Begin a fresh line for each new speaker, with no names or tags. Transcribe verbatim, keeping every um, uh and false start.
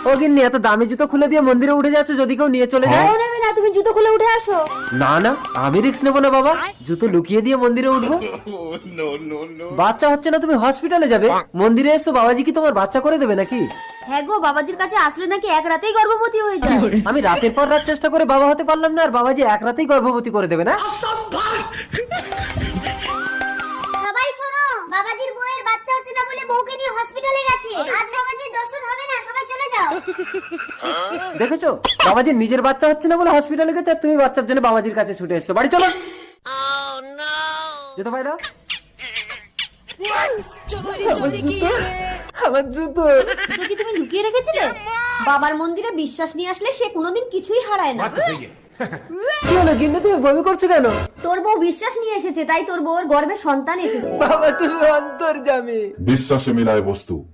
ও গিন্নি, এত দামি জুতো খুলে দিয়ে মন্দিরে উঠে যাচ্ছ, যদি কেউ নিয়ে চলে যায়?
কেউ নেবে না, তুমি জুতো খুলে উঠে আসো।
না না, আমি রিস্ক নেবো না বাবা, জুতো লুকিয়ে দিয়ে মন্দিরে উঠবো। বাচ্চা হচ্ছে না, তুমি হসপিটালে যাবে, মন্দিরে এসো, বাবাজি কি তোমার বাচ্চা করে দেবে নাকি?
হ্যাঁ গো, বাবাজির কাছে আসলে নাকি এক রাতেই গর্ভবতী হয়ে যায়।
আমি রাতের পর রাত চেষ্টা করে বাবা হতে পারলাম না, আর বাবাজি এক রাতেই গর্ভবতী করে দেবে না?
সবাই শোনো, বাবাজির বউয়ের বাচ্চা হচ্ছে না বলে বউকে নিয়ে হসপিটালে গেছে। আজ বাবাজির দর্শন হবে না, সবাই চলে যাও।
দেখেছো, বাবাজির নিজের বাচ্চা হচ্ছে না বলে হসপিটালে গেছে, আর তুমি বাচ্চার জন্য বাবাজির কাছে ছুটে এসছো। বাড়ি চলো। জুতো ভাই দাও। আমার জুতো
জুতো কি তুমি লুকিয়ে রেখেছিলে? বাবার মন্দিরে বিশ্বাস নিয়ে আসলে সে কোনোদিন কিছুই হারায় না।
কি হলো গিন্নি, তুমি বমি করছো কেন?
তোর বউ বিশ্বাস নিয়ে এসেছে, তাই তোর বউর গর্ভে সন্তান এসেছে।
বাবা তুমি অন্তর্যামী।
বিশ্বাসে মিলায় বস্তু।